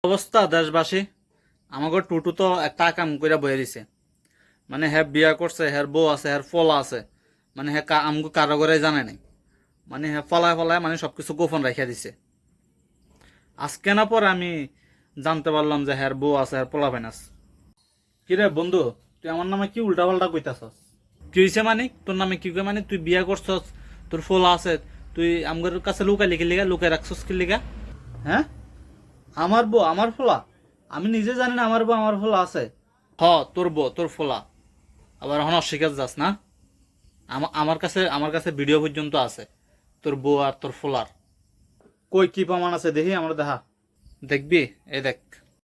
অবস্থা দেশবাসী, আমাকে টুটু তো একটা কাম করে বয়ে দিছে। মানে হ্যাঁ বিয়া করছে, হ্যার বউ আছে, হ্যার ফলা আছে, মানে হ্যাঁ আমাকে কারো করে জানে নাই। মানে হ্যাঁ ফলায় ফলায় মানে সবকিছু গোপন রাখিয়া দিছে। আজকে না পরে আমি জানতে পারলাম যে হ্যার বউ আছে, হ্যার পোলা ফাইনাস। কিরে বন্ধু, তুই আমার নামে কি উল্টা পাল্টা কইতাছস? কি হয়েছে মানে তোর নামে কি কই? মানে তুই বিয়া করছস, তোর ফলা আছে, তুই আমার কাছে লুকাই লিখে লিগা লুকাই রাখছস কি লিগা? হ্যাঁ, আমার বউ আমার ফোলা? আমি নিজে জানি না আমার বউ আমার ফোলা আছে। হ, তোর বউ তোর ফোলা, আবার এখন অস্বীকার যাস না। আমার কাছে ভিডিও পর্যন্ত আছে তোর বউ আর তোর ফোলার। কই কি প্রমাণ আছে দেখি, আমার দেখা। দেখবি? এই দেখ।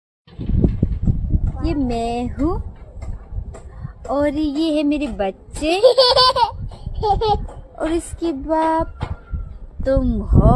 ये मैं हूँ और ये है मेरे बच्चे और इसके बाप तुम हो।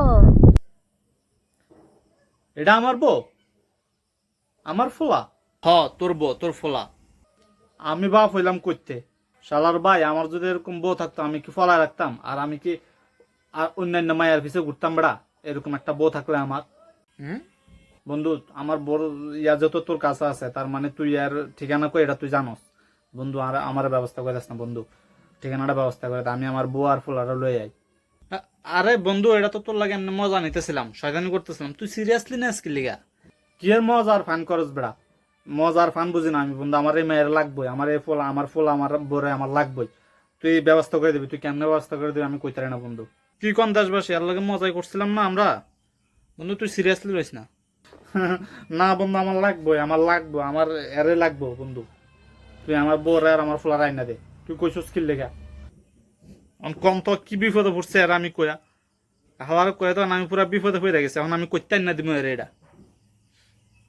এটা আমার বউ, আমার ফোলা। হ, তোর বউ তোর ফোলা। আমি বাপ হইলাম করতে শালার ভাই, আমার যদি এরকম বউ থাকতো আমি কি ফলায় রাখতাম? আর আমি কি আর অন্যান্য মায়ের পিছে ঘুরতাম বেড়া? এরকম একটা বউ থাকলে আমার। বন্ধু, আমার বড় ইয়া যত তোর কাছে আছে, তার মানে তুই আর ঠিকানা কই এটা তুই জানোস। বন্ধু, আর আমার ব্যবস্থা করে দিস না বন্ধু, ঠিকানাটা ব্যবস্থা করে দে, আমি আমার বউ আর ফুলারা লই আই। আরে বন্ধু, এটা তো তোর লাগে এমনি মজা নিতেছিলাম, শয়তানি করতেছিলাম। তুই সিরিয়াসলি না আজকে লিগা? কি এর মজা আর ফান করস বেড়া? মজার ফান বুঝি না আমি বন্ধু, আমার এই মেয়ের লাগবই, আমার এই ফোলা আমার বরে আমার লাগবই। তুই ব্যবস্থা করে দিবি, তুই কেমনে ব্যবস্থা করে দিবি আমি কইতারি না বন্ধু। কি কোন দেশবাসী, এর লাগে মজাই করছিলাম না আমরা। বন্ধু তুই সিরিয়াসলি রইস না। না বন্ধু, আমার লাগবই, আমার এরে লাগবো বন্ধু। তুই আমার বউরে আর আমার ফোলা রাইনা দে। তুই কইছস কি লেগা? কম তো কি বিপদে পড়ছে আর আমি কইয়া হাওয়ার কয়ে, তখন আমি পুরা বিপদে পড়ে গেছে, এখন আমি কইতাই না দিব এর এটা।